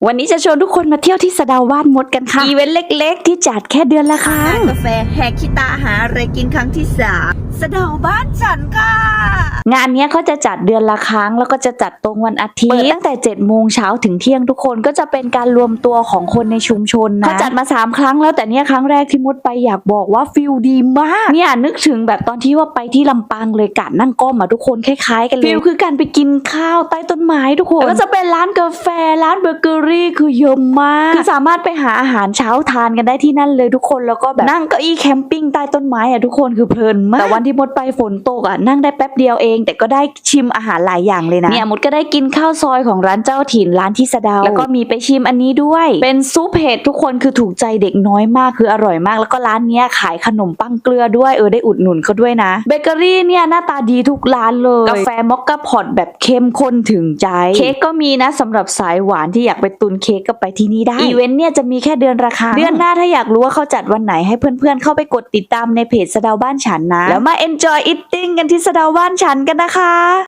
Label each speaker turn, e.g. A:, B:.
A: วันนี้จะชวนทุกคนมาเที่ยวที่สะเดาบ้านมดกันค่ะอีเวนต์เล็กๆที่จัดแค่เดือนละครั้ง
B: กาแฟแหกขี้ตาหาอะไรกินครั้งที่3สะเดาบ้านฉันค่ะ
A: งานนี้เขาจะจัดเดือนละครั้งแล้วก็จะจัดตรงวันอาทิตย์ตั้งแต่7 โมงเช้าถึงเที่ยงทุกคนก็จะเป็นการรวมตัวของคนในชุมชนนะเขาจัดมา3 ครั้งแล้วแต่เนี่ยครั้งแรกที่มดไปอยากบอกว่าฟิลดีมากเนี่ยนึกถึงแบบตอนที่ว่าไปที่ลำปางเลยการนั่งก้มอ่ะทุกคนคล้ายๆกันเลยฟิลคือการไปกินข้าวใต้ต้นไม้ทุกคนแล้วก็จะเป็นร้านกาแฟร้านเบเกอรี่คือเยอะมากคือสามารถไปหาอาหารเช้าทานกันได้ที่นั่นเลยทุกคนแล้วก็แบบนั่งเก้าอี้แคมปิ้งใต้ต้นไม้อ่ะทุกคนคือเพลินมากแต่วันที่มดไปฝนตกอ่ะนั่งได้แป๊บเดียวเองแต่ก็ได้ชิมอาหารหลายอย่างเลยนะเนี่ยมดก็ได้กินข้าวซอยของร้านเจ้าถิ่นร้านที่สะเดาแล้วก็มีไปชิมอันนี้ด้วยเป็นซุปเห็ดทุกคนคือถูกใจเด็กน้อยมากคืออร่อยมากแล้วก็ร้านเนี้ยขายขนมปังเกลือด้วยได้อุดหนุนเขาด้วยนะเบเกอรี่เนี่ยหน้าตาดีทุกร้านเลยกาแฟมอคค่าพอตแบบเข้มข้นถึงใจเค้กก็มีนะสำหรับสายหวานที่อยากไปตุนเค้กก็ไปที่นี่ได้อีเวนต์เนี่ยจะมีแค่เดือนละครั้งเดือนหน้าถ้าอยากรู้ว่าเขาจัดวันไหนให้เพื่อนๆเข้าไปกดติดตามในเพจสะเดาบ้านฉันนะแล้วมา enjoy eating กันที่สะเดาบ้านฉันกันนะคะ